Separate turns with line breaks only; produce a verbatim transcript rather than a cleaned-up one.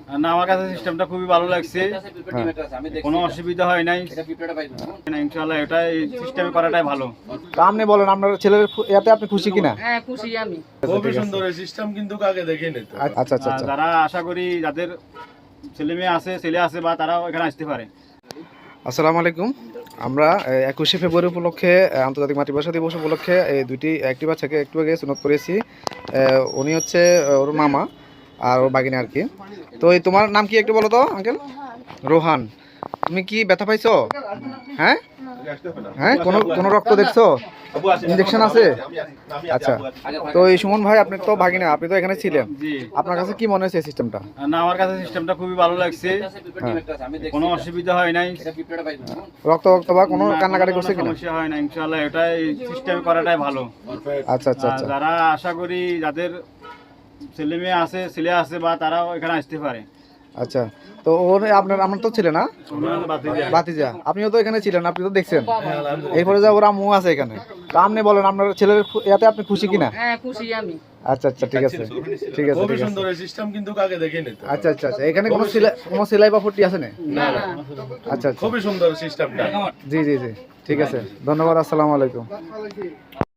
না, আমার কাছে সিস্টেমটা খুবই ভালো লাগছে, কোনো অসুবিধা হয় নাই ইনশাআল্লাহ। এটা এই সিস্টেমে করাটাই ভালো।
তা আপনি বলেন আপনার ছেলের এতে আপনি খুশি কিনা?
হ্যাঁ খুশি আমি।
খুবই সুন্দর এই সিস্টেম, কিন্তু আগে দেখিনি তো।
আচ্ছা আচ্ছা
আর
আচ্ছা
যারা আশা করি যাদের ছেলে মেয়ে আছে ছেলে আছে বা তারাও এখানে আসতে পারে।
আসসালামু আলাইকুম। আমরা একুশে ফেব্রুয়ারি উপলক্ষে আহ, আন্তর্জাতিক মাতৃভাষা দিবস উপলক্ষে এই দুইটি একটি বাচ্চাকে একটু আগে সুনত করেছি। আহ, উনি হচ্ছে আহ, ওর মামা আর ওর বাগিনী আর কি। তো এই তোমার নাম কি একটু বলো তো আঙ্কেল? রোহান। তুমি কি ব্যথা পাইছো? হ্যাঁ হ্যাঁ কোনো কোনো রক্ত দেখছো? ইনজেকশন আছে? আচ্ছা। তো এই সুমন ভাই আপনি তো ভাগিনা, আপনি তো এখানে ছিলেন,
জি।
আপনার কাছে কি মনে হচ্ছে সিস্টেমটা?
না, আমার কাছে সিস্টেমটা খুবই ভালো লাগছে, কোনো অসুবিধা হয় নাই
রক্ত রক্ত বা কোনো কান্নাকাটি করছে কিনা?
সমস্যা হয় না ইনশাআল্লাহ। এটা এই সিস্টেমে করাটাই ভালো।
আচ্ছা আচ্ছা
আর
আচ্ছা
যারা আশা করি যাদের ছেলে মেয়ে আছে ছেলে আছে বা তারাও এখানে আসতে পারে।
আচ্ছা। তো ওর আপনার আমার তো ছিলেন না বাতিজা, আপনিও তো এখানে ছিলেন, আপনি তো দেখছেন। এরপরে যা ওর আম্মু আছে এখানে। তো আপনি বলেন আপনার ছেলের এতে আপনি খুশি কিনা?
হ্যাঁ খুশি আমি।
আচ্ছা আচ্ছা ঠিক আছে ঠিক আছে
খুবই
ঠিক আছে।
সুন্দর এই সিস্টেম, কিন্তু আগে দেখিনি তো।
আচ্ছা আচ্ছা আচ্ছা এখানে কোনো সেলাই কোনো সেলাই বা ফুটি আছে না?
না না।
আচ্ছা আচ্ছা
খুবই সুন্দর সিস্টেমটা।
জি জি জি ঠিক আছে, ধন্যবাদ, আসসালামু আলাইকুম।